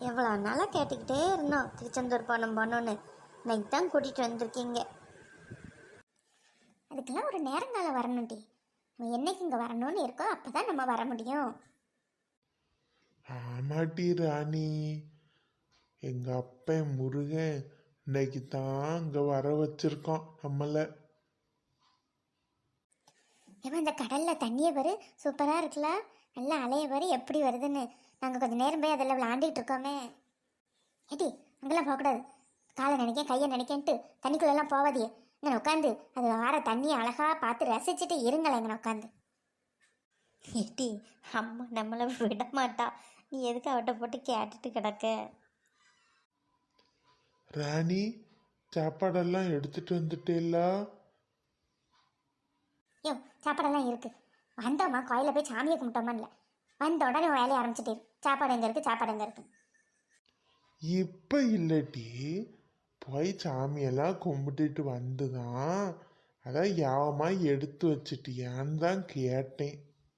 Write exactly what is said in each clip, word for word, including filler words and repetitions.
எவ்வளோ நாளாக கேட்டுக்கிட்டே இருந்தோம் திருச்செந்தூர் போனோம் போனோன்னு. இன்னைக்கு தான் கூட்டிகிட்டு வந்திருக்கீங்க. அதுக்கெல்லாம் ஒரு நேரங்காலம் வரணும்டி. நம்ம என்னைக்கு இங்கே வரணும்னு இருக்கோ அப்போ தான் நம்ம வர முடியும். ஆமாட்டி ராணி, எங்க அப்பன் முருகன் இன்னைக்கு தான் இங்க வர வச்சிருக்கோம் நம்மள. ஏமா இந்த கடலில் தண்ணியை பாரு, சூப்பராக இருக்குல்ல. நல்லா அலைய பாரு எப்படி வருதுன்னு. நாங்கள் கொஞ்சம் நேரம் போய் அதில் விளாண்டுக்கிட்டு இருக்கோமே. ஏடி அங்கெல்லாம் போகக்கூடாது. காலை நினைக்க கையை நினைக்கன்ட்டு தண்ணிக்குள்ளெல்லாம் போவாதியே. இங்கே உட்காந்து அது வர தண்ணியை அழகாக பார்த்து ரசிச்சுட்டு இருங்களேன் இங்கே உட்காந்து. ஏடி அம்மா நம்மளை விட மாட்டா. நீ எதுக்கு அவட்ட போட்டு கேட்டுட்டு கிடக்க? ராணி, சாப்பாடெல்லாம் எடுத்துட்டு வந்துட்டேலா? யோ சாப்பாடெல்லாம் இருக்கு. வந்தோம்மா கோயிலில் போய் சாமியை கும்பிட்டோமா இல்லை, வந்த உடனே வேலையை ஆரம்பிச்சுட்டே சாப்பாடு எங்கே இருக்குது சாப்பாடு எங்கே இருக்கு. இப்ப இல்லட்டி, போய் சாமியெல்லாம் கும்பிட்டுட்டு வந்துதான் அதான் யாவமா எடுத்து வச்சுட்டியான்னு தான் கேட்டேன்.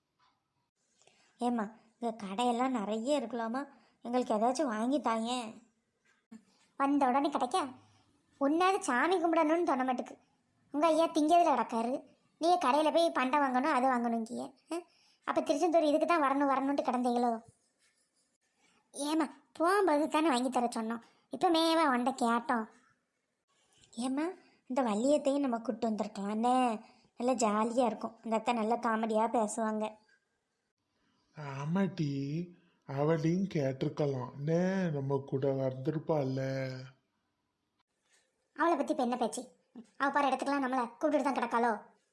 ஏம்மா இங்கே கடையெல்லாம் நிறைய இருக்கலாமா, எங்களுக்கு ஏதாச்சும் வாங்கி தாங்க. வந்த உடனே கிடைக்க ஒன்றாவது சாமி கும்பிடணும்னு தோண மாட்டுக்கு. உங்கள் ஐயா திங்கிறதுல கிடக்காரு, நீங்கள் கடையில் போய் பண்டை வாங்கணும் அது வாங்கணும் இங்கேயே. அப்போ திருச்செந்தூர் இதுக்கு தான் வரணும் வரணுன்ட்டு கிடந்தீங்களோ? ஏம்மா போகும்போது தானே வாங்கி தர சொன்னோம், இப்போ மேவா உண்ட கேட்டோம். ஏம்மா இந்த வள்ளியத்தையும் நம்ம கூப்பிட்டு வந்திருக்கலாம்னே, நல்லா ஜாலியாக இருக்கும். இந்த அத்தை நல்லா காமெடியாக பேசுவாங்க. ஆமாட்டி, அவளையும் கேட்டிருக்கலாம், நே நம்ம கூட வந்திருப்பாள்ல. அவளை பற்றி இப்போ என்ன பேச்சு? அவள் பாரு இடத்துக்குலாம் நம்மளை கூப்பிட்டு தான் கிடக்காளோ?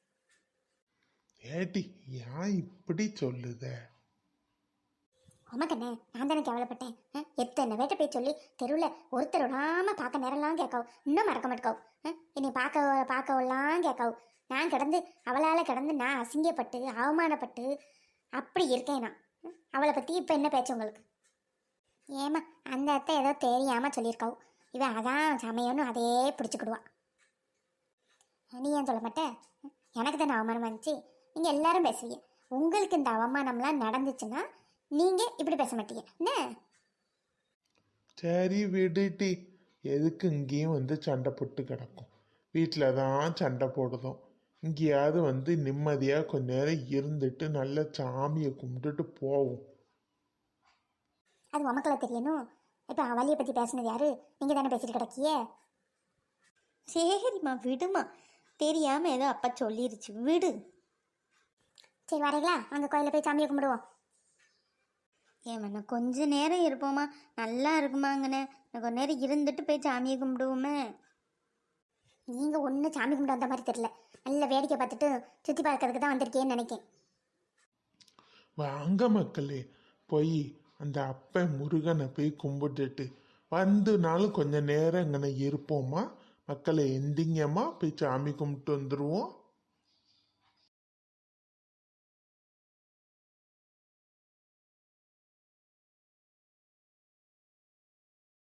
ஏட்டி ஏன் இப்படி சொல்லுத? உமக்கண்ணே நான் தானே கேவலப்பட்டேன். எத்தனை வேட்டை போய் சொல்லி தெருவில் ஒருத்தர் விடாமல் பார்க்க நேரம்லாம் கேட்காவும், இன்னும் மறக்க மாட்டேக்காவும். என்னை பார்க்க பார்க்கவெல்லாம் கேட்காவும். நான் கிடந்து அவளால் கிடந்து நான் அசிங்கப்பட்டு அவமானப்பட்டு அப்படி இருக்கேன் நான். அவளை பற்றி இப்போ என்ன பேச்சு உங்களுக்கு? ஏமா அந்த அத்தை ஏதோ தெரியாமல் சொல்லியிருக்காவும், இவன் அதான் சமையன்னு அதே பிடிச்சிக்கிடுவா. நீ ஏன் சொல்ல மாட்டேன்? எனக்கு தானே அவமானமாக இருந்துச்சு. நீங்கள் எல்லாரும் பேசுவீங்க, உங்களுக்கு இந்த அவமானம்லாம் நடந்துச்சுன்னா நீங்கள் இப்படி பேச மாட்டீங்க என்ன? சரி விடுட்டி, எதுக்கு இங்கேயும் வந்து சண்டை போட்டு கிடக்கும்? வீட்டில் தான் சண்டை போடுதோம். இங்கேயாவது வந்து நிம்மதியாக கொஞ்ச நேரம் இருந்துட்டு நல்ல சாமியை கும்பிட்டுட்டு போவோம். அது உமக்களை தெரியணும். இப்போ அவளியை பற்றி பேசினது யாரு? நீங்கள் தானே பேசிட்டு கிடக்கியே. சரிம்மா விடுமா, தெரியாமல் ஏதோ அப்பா சொல்லிருச்சு விடு. சரி வரீங்களா, அங்கே கோயிலில் போய் சாமியை கும்பிடுவோம். ஏம்மா கொஞ்ச நேரம் இருப்போமா, நல்லா இருக்குமாங்கண்ணே. நான் கொஞ்ச நேரம் இருந்துட்டு போய் சாமியை கும்பிடுவோமே. நீங்கள் ஒன்றும் சாமி கும்பிட வந்த மாதிரி தெரியல, நல்ல வேடிக்கை பார்த்துட்டு சுற்றி பார்க்கறதுக்கு தான் வந்திருக்கேன்னு நினைக்கேன். வாங்க மக்களே, போய் அந்த அப்ப முருகனை போய் கும்பிட்டுட்டு வந்துனாலும் கொஞ்ச நேரம் இங்கே இருப்போமா? மக்களை எந்திங்கம்மா போய் சாமி கும்பிட்டு வந்துடுவோம்.